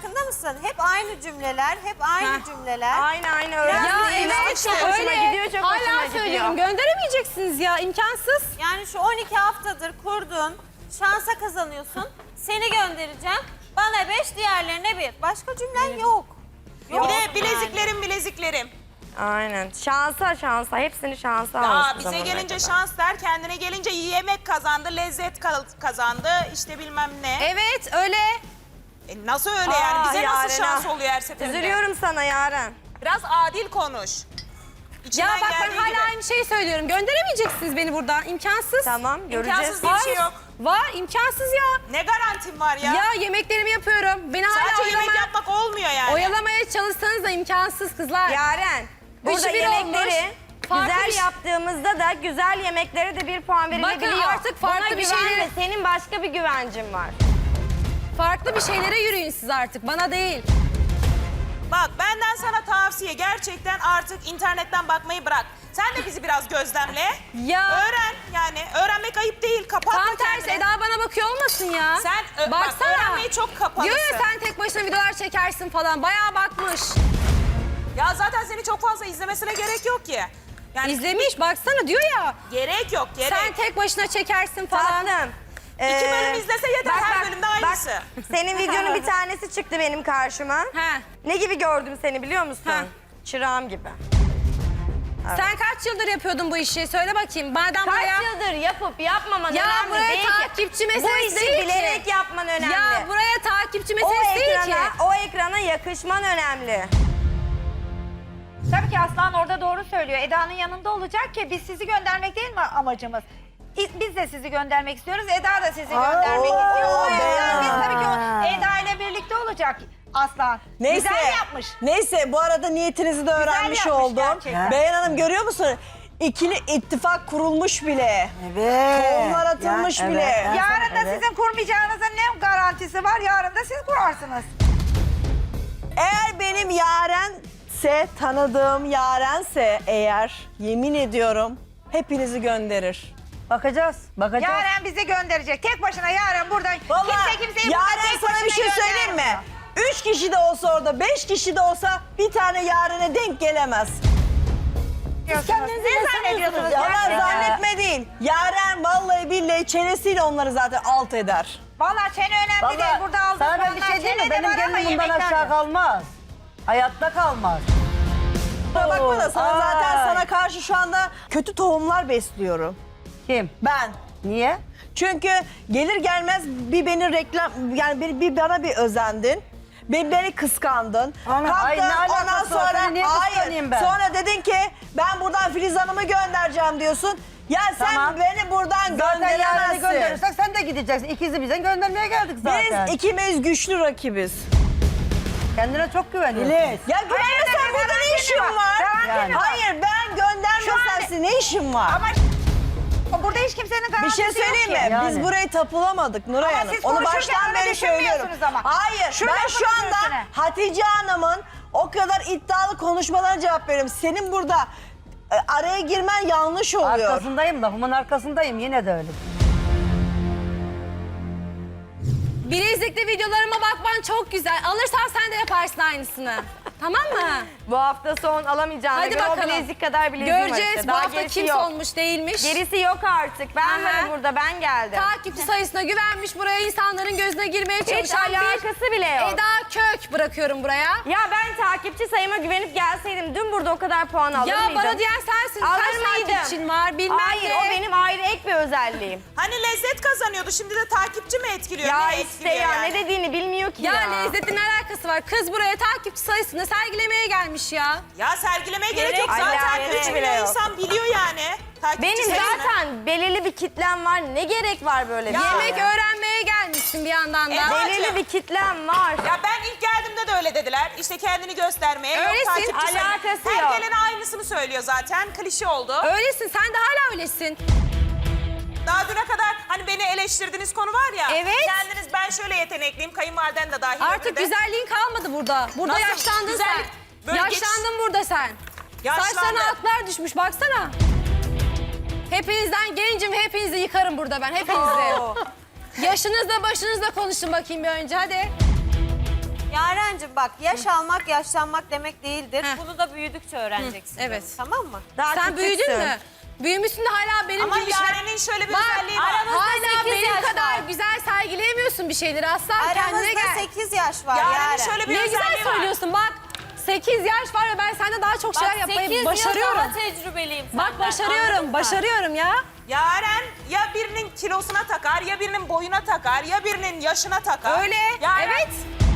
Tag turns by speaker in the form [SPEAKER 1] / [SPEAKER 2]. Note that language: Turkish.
[SPEAKER 1] farkında mısın? Hep aynı cümleler, hep aynı cümleler.
[SPEAKER 2] Aynı öyle.
[SPEAKER 1] Ya
[SPEAKER 3] evet,
[SPEAKER 2] çok hoşuma gidiyor, çok hoşuma
[SPEAKER 3] Hala
[SPEAKER 2] gidiyor.
[SPEAKER 3] söylüyorum. Gönderemeyeceksiniz ya, imkansız.
[SPEAKER 1] Yani şu 12 haftadır kurdun, şansa kazanıyorsun. Seni göndereceğim. Bana 5, diğerlerine 1. Başka cümlen yok.
[SPEAKER 4] Bir de bileziklerim.
[SPEAKER 2] Aynen. Şansa. Hepsini şansa almış.
[SPEAKER 4] Aa, bize gelince şans der, kendine gelince yemek kazandı, lezzet kazandı, işte bilmem ne.
[SPEAKER 3] Evet, öyle.
[SPEAKER 4] Nasıl öyle yani? Bize
[SPEAKER 2] Yaren,
[SPEAKER 4] nasıl şans oluyor her seferinde?
[SPEAKER 2] Üzülüyorum sana Yaren.
[SPEAKER 4] Biraz adil konuş. İçinden
[SPEAKER 3] Ya bak ben
[SPEAKER 4] geldiği
[SPEAKER 3] hala
[SPEAKER 4] gibi.
[SPEAKER 3] aynı şeyi söylüyorum. Gönderemeyeceksiniz beni buradan. İmkansız.
[SPEAKER 2] Tamam, göreceğiz.
[SPEAKER 4] İmkansız diye bir şey yok.
[SPEAKER 3] Var, imkansız ya.
[SPEAKER 4] Ne garantim var ya?
[SPEAKER 3] Ya yemeklerimi yapıyorum. Beni hala
[SPEAKER 4] Sadece yemek yapmak olmuyor yani.
[SPEAKER 3] oyalamaya çalışsanız da imkansız kızlar.
[SPEAKER 2] Yaren, burada
[SPEAKER 3] 3-1
[SPEAKER 2] yemekleri
[SPEAKER 3] olmuş. Farklı
[SPEAKER 2] güzel
[SPEAKER 3] bir şey-
[SPEAKER 2] yaptığımızda da güzel yemeklere de 1 puan verilebiliyor.
[SPEAKER 3] Bakın artık farklı
[SPEAKER 2] Buna
[SPEAKER 3] bir
[SPEAKER 2] güvenme,
[SPEAKER 3] şeyleri-
[SPEAKER 2] senin başka bir güvencin var.
[SPEAKER 3] Farklı bir şeylere yürüyün siz artık. Bana değil.
[SPEAKER 4] Bak benden sana tavsiye, gerçekten artık internetten bakmayı bırak. Sen de bizi biraz gözlemle.
[SPEAKER 3] Ya.
[SPEAKER 4] Öğren yani. Öğrenmek ayıp değil. Kapatma
[SPEAKER 3] Tam tersi
[SPEAKER 4] kendini.
[SPEAKER 3] Eda bana bakıyor olmasın ya.
[SPEAKER 4] Sen bak, öğrenmeyi çok kapalısın.
[SPEAKER 3] Diyor ya sen tek başına videolar çekersin falan. Bayağı bakmış.
[SPEAKER 4] Ya zaten seni çok fazla izlemesine gerek yok ki. Yani
[SPEAKER 3] İzlemiş baksana diyor ya.
[SPEAKER 4] gerek yok, gerek.
[SPEAKER 3] Sen tek başına çekersin falan.
[SPEAKER 2] Tatlım.
[SPEAKER 4] 2 bölüm izlese yeter, her bölümde aynısı.
[SPEAKER 2] Bak, senin videonun bir tanesi çıktı benim karşıma.
[SPEAKER 3] He.
[SPEAKER 2] Ne gibi gördüm seni biliyor musun?
[SPEAKER 3] Ha.
[SPEAKER 2] Çırağım gibi.
[SPEAKER 3] Sen kaç yıldır yapıyordun bu işi? Söyle bakayım. Madem
[SPEAKER 2] Kaç
[SPEAKER 3] buraya...
[SPEAKER 2] yıldır yapıp yapmaman
[SPEAKER 3] Ya
[SPEAKER 2] önemli
[SPEAKER 3] buraya
[SPEAKER 2] değil ki.
[SPEAKER 3] takipçi
[SPEAKER 2] Bu
[SPEAKER 3] meselesi
[SPEAKER 2] işi
[SPEAKER 3] değil ki.
[SPEAKER 2] bilerek yapman önemli.
[SPEAKER 3] Ya buraya takipçi
[SPEAKER 2] o
[SPEAKER 3] meselesi değil ki.
[SPEAKER 2] ekrana yakışman önemli.
[SPEAKER 5] Tabii ki Aslan orada doğru söylüyor. Eda'nın yanında olacak ki biz sizi göndermek değil mi amacımız? Biz de sizi göndermek istiyoruz. Eda da sizi göndermek istiyor. O yüzden biz tabii ki Eda ile birlikte olacak Aslan.
[SPEAKER 6] Neyse,
[SPEAKER 5] Güzel yapmış.
[SPEAKER 6] neyse bu arada niyetinizi de öğrenmiş
[SPEAKER 5] yapmış
[SPEAKER 6] oldum.
[SPEAKER 5] gerçekten.
[SPEAKER 6] Beyhan Hanım görüyor musun? İkili ittifak kurulmuş bile.
[SPEAKER 7] Evet.
[SPEAKER 6] Tohumlar atılmış
[SPEAKER 7] Ya,
[SPEAKER 6] bile.
[SPEAKER 7] evet.
[SPEAKER 5] Yarın da
[SPEAKER 7] Evet.
[SPEAKER 5] sizin kurmayacağınızın ne garantisi var? Yarın da siz kurarsınız.
[SPEAKER 6] Eğer benim Yarense, tanıdığım Yarense eğer, yemin ediyorum hepinizi gönderir.
[SPEAKER 7] Bakacağız.
[SPEAKER 5] Yaren bizi gönderecek. Tek başına Yaren buradan
[SPEAKER 6] Vallahi
[SPEAKER 5] kimseyi buradan
[SPEAKER 6] Yaren
[SPEAKER 5] tek
[SPEAKER 6] sana bir
[SPEAKER 5] başına
[SPEAKER 6] şey söyleyeyim mi?
[SPEAKER 5] göndermiyor.
[SPEAKER 6] 3 kişi de olsa orada, 5 kişi de olsa bir tane Yaren'e denk gelemez.
[SPEAKER 5] Ne zannediyorsunuz?
[SPEAKER 6] Yalan
[SPEAKER 5] gerçekten?
[SPEAKER 6] zannetme değil. Yaren vallahi billahi çenesiyle onları zaten alt eder.
[SPEAKER 5] Vallahi çene önemli değil. Burada aldığım
[SPEAKER 7] sana ben bir
[SPEAKER 5] puanlar
[SPEAKER 7] şey diyeyim mi?
[SPEAKER 5] çene de
[SPEAKER 7] Benim
[SPEAKER 5] var ama
[SPEAKER 7] gelinim bundan
[SPEAKER 5] yemekler
[SPEAKER 7] aşağı
[SPEAKER 5] yok.
[SPEAKER 7] kalmaz. Hayatta kalmaz.
[SPEAKER 6] Kusura bakma da sana zaten
[SPEAKER 7] Ay.
[SPEAKER 6] sana karşı şu anda kötü tohumlar besliyorum.
[SPEAKER 7] Kim?
[SPEAKER 6] Ben.
[SPEAKER 7] Niye?
[SPEAKER 6] Çünkü gelir gelmez bir beni reklam yani bir bana bir özendin. Beni kıskandın.
[SPEAKER 7] Ana, ay, ne
[SPEAKER 6] Kalktın, ondan
[SPEAKER 7] alakası var?
[SPEAKER 6] sonra
[SPEAKER 7] Seni niye kıskanayım ben?
[SPEAKER 6] Sonra dedin ki ben buradan Filiz Hanım'ı göndereceğim diyorsun. Ya sen
[SPEAKER 7] Tamam.
[SPEAKER 6] beni buradan
[SPEAKER 7] Zaten yarını
[SPEAKER 6] gönderemezsin.
[SPEAKER 7] gönderirsek sen de gideceksin. İkizi bize göndermeye geldik zaten.
[SPEAKER 6] Biz ikimiz güçlü rakibiz.
[SPEAKER 7] Kendine çok güveniyorsun.
[SPEAKER 6] Ya güvenmesen burada ne işin var?
[SPEAKER 7] Yani.
[SPEAKER 6] Hayır ben göndermesem size ne işim var?
[SPEAKER 5] Ama burada hiç kimsenin
[SPEAKER 6] Bir
[SPEAKER 5] garantisi
[SPEAKER 6] şey
[SPEAKER 5] yok
[SPEAKER 6] söyleyeyim mi?
[SPEAKER 5] ki.
[SPEAKER 7] Yani.
[SPEAKER 6] Biz burayı tapulamadık Nuray
[SPEAKER 5] Ama
[SPEAKER 6] Hanım.
[SPEAKER 5] siz
[SPEAKER 6] Onu
[SPEAKER 5] konuşurken
[SPEAKER 6] baştan
[SPEAKER 5] öyle
[SPEAKER 6] beri söylüyorum.
[SPEAKER 5] düşünmüyorsunuz ama.
[SPEAKER 6] Hayır
[SPEAKER 5] Şu
[SPEAKER 6] ben
[SPEAKER 5] lafın
[SPEAKER 6] şu anda
[SPEAKER 5] üstüne.
[SPEAKER 6] Hatice Hanım'ın o kadar iddialı konuşmalarına cevap veriyorum. Senin burada araya girmen yanlış oluyor.
[SPEAKER 7] Arkasındayım, lafımın arkasındayım. Yine de öyle.
[SPEAKER 3] Bilezikli videolarıma bakman çok güzel. Alırsan sen de yaparsın aynısını. Tamam mı?
[SPEAKER 2] Bu hafta son alamayacağına
[SPEAKER 3] Hadi
[SPEAKER 2] göre o
[SPEAKER 3] bakalım.
[SPEAKER 2] bilezik kadar bileziğim var
[SPEAKER 3] Göreceğiz
[SPEAKER 2] işte.
[SPEAKER 3] bu
[SPEAKER 2] Daha
[SPEAKER 3] hafta
[SPEAKER 2] gerisi
[SPEAKER 3] kim
[SPEAKER 2] yok.
[SPEAKER 3] olmuş değilmiş.
[SPEAKER 2] Gerisi yok artık. Ben
[SPEAKER 3] Aha.
[SPEAKER 2] varım burada, ben geldim.
[SPEAKER 3] Takipçi sayısına güvenmiş, buraya insanların gözüne girmeye
[SPEAKER 2] Hiç
[SPEAKER 3] çalışan bir
[SPEAKER 2] alakası bile yok.
[SPEAKER 3] Eda Kök bırakıyorum buraya.
[SPEAKER 2] Ya ben takipçi sayıma güvenip gelseydim dün burada o kadar puan alır
[SPEAKER 3] Ya
[SPEAKER 2] mıydım?
[SPEAKER 3] bana diyen sensin.
[SPEAKER 2] Alır
[SPEAKER 3] Kaç
[SPEAKER 2] mıydım?
[SPEAKER 3] takipçin var bilmem
[SPEAKER 2] Hayır,
[SPEAKER 3] ne.
[SPEAKER 2] o benim ayrı ek bir özelliğim.
[SPEAKER 4] Hani lezzet kazanıyordu, şimdi de takipçi mi etkiliyor?
[SPEAKER 2] Ya
[SPEAKER 4] ne
[SPEAKER 2] işte
[SPEAKER 4] etkiliyor
[SPEAKER 2] ya
[SPEAKER 4] yani?
[SPEAKER 2] ne dediğini bilmiyor ki
[SPEAKER 3] Ya
[SPEAKER 2] ya.
[SPEAKER 3] lezzetin alakası var. Kız buraya takipçi sayısını sergilemeye gelmiş ya.
[SPEAKER 4] Ya sergilemeye gerek yok.
[SPEAKER 2] Gerek
[SPEAKER 4] Zaten
[SPEAKER 2] alakası
[SPEAKER 4] 3
[SPEAKER 2] bile
[SPEAKER 4] milyon
[SPEAKER 2] yok.
[SPEAKER 4] insan biliyor yani. Takipçi
[SPEAKER 2] Benim
[SPEAKER 4] sayısını.
[SPEAKER 2] zaten belirli bir kitlem var. Ne gerek var böyle bir
[SPEAKER 4] Ya.
[SPEAKER 2] şeye?
[SPEAKER 3] Yemek öğrenmeye gelmişsin bir yandan da.
[SPEAKER 4] Eda-
[SPEAKER 2] Belirli bir kitlem var.
[SPEAKER 4] Ya ben ilk geldiğimde de öyle dediler. İşte kendini göstermeye. yok
[SPEAKER 3] Öylesin,
[SPEAKER 4] takipçi sayı.
[SPEAKER 2] alakası
[SPEAKER 4] Her
[SPEAKER 2] yok.
[SPEAKER 4] gelen aynısını söylüyor zaten. Klişe oldu.
[SPEAKER 3] Öylesin sen de hala öylesin.
[SPEAKER 4] Daha düne kadar hani beni eleştirdiğiniz konu var ya.
[SPEAKER 3] Evet.
[SPEAKER 4] Kendiniz ben şöyle yetenekliyim. Kayınvaliden de dahil.
[SPEAKER 3] Artık
[SPEAKER 4] öbürü de.
[SPEAKER 3] güzelliğin kalmadı burada. Burada
[SPEAKER 4] Nasıl?
[SPEAKER 3] yaşlandın
[SPEAKER 4] Güzellik
[SPEAKER 3] sen.
[SPEAKER 4] böyle
[SPEAKER 3] Yaşlandın burada sen.
[SPEAKER 4] Yaşlandım.
[SPEAKER 3] Saçlarına atlar düşmüş baksana. Hepinizden gencim ve hepinizi yıkarım burada ben hepinizi. Yaşınızla başınızla konuşun bakayım bir önce hadi.
[SPEAKER 1] Yaren Yarencim bak, yaş almak yaşlanmak demek değildir.
[SPEAKER 3] Heh.
[SPEAKER 1] Bunu da büyüdükçe öğreneceksin.
[SPEAKER 3] evet.
[SPEAKER 1] canım, Tamam mı?
[SPEAKER 2] Daha
[SPEAKER 3] Sen büyüdün
[SPEAKER 2] küçüksün.
[SPEAKER 3] mü? Büyümüşsün de hala benim
[SPEAKER 4] Ama
[SPEAKER 3] gibi şeyler...
[SPEAKER 4] Yaren'in şöyle bir
[SPEAKER 3] Bak,
[SPEAKER 4] özelliği var.
[SPEAKER 1] aramızda
[SPEAKER 3] hala
[SPEAKER 1] 8
[SPEAKER 3] benim
[SPEAKER 1] yaş
[SPEAKER 3] kadar
[SPEAKER 1] var.
[SPEAKER 3] güzel sergileyemiyorsun bir şeyleri. Aslan kendine
[SPEAKER 1] Aramızda
[SPEAKER 3] gel.
[SPEAKER 1] 8 yaş var
[SPEAKER 4] Yaren'in
[SPEAKER 1] Yaren.
[SPEAKER 4] şöyle bir
[SPEAKER 3] Ne
[SPEAKER 4] özelliği
[SPEAKER 3] güzel
[SPEAKER 4] var.
[SPEAKER 3] söylüyorsun bak. 8 yaş var ve ben senden daha çok şeyler
[SPEAKER 1] Bak 8
[SPEAKER 3] yapmayı
[SPEAKER 1] yıl
[SPEAKER 3] başarıyorum.
[SPEAKER 1] daha tecrübeliyim senden.
[SPEAKER 3] Bak başarıyorum,
[SPEAKER 1] anladın mı?
[SPEAKER 3] başarıyorum ya.
[SPEAKER 4] Yaren ya birinin kilosuna takar, ya birinin boyuna takar, ya birinin yaşına takar.
[SPEAKER 3] Öyle,
[SPEAKER 4] Yaren,
[SPEAKER 3] evet.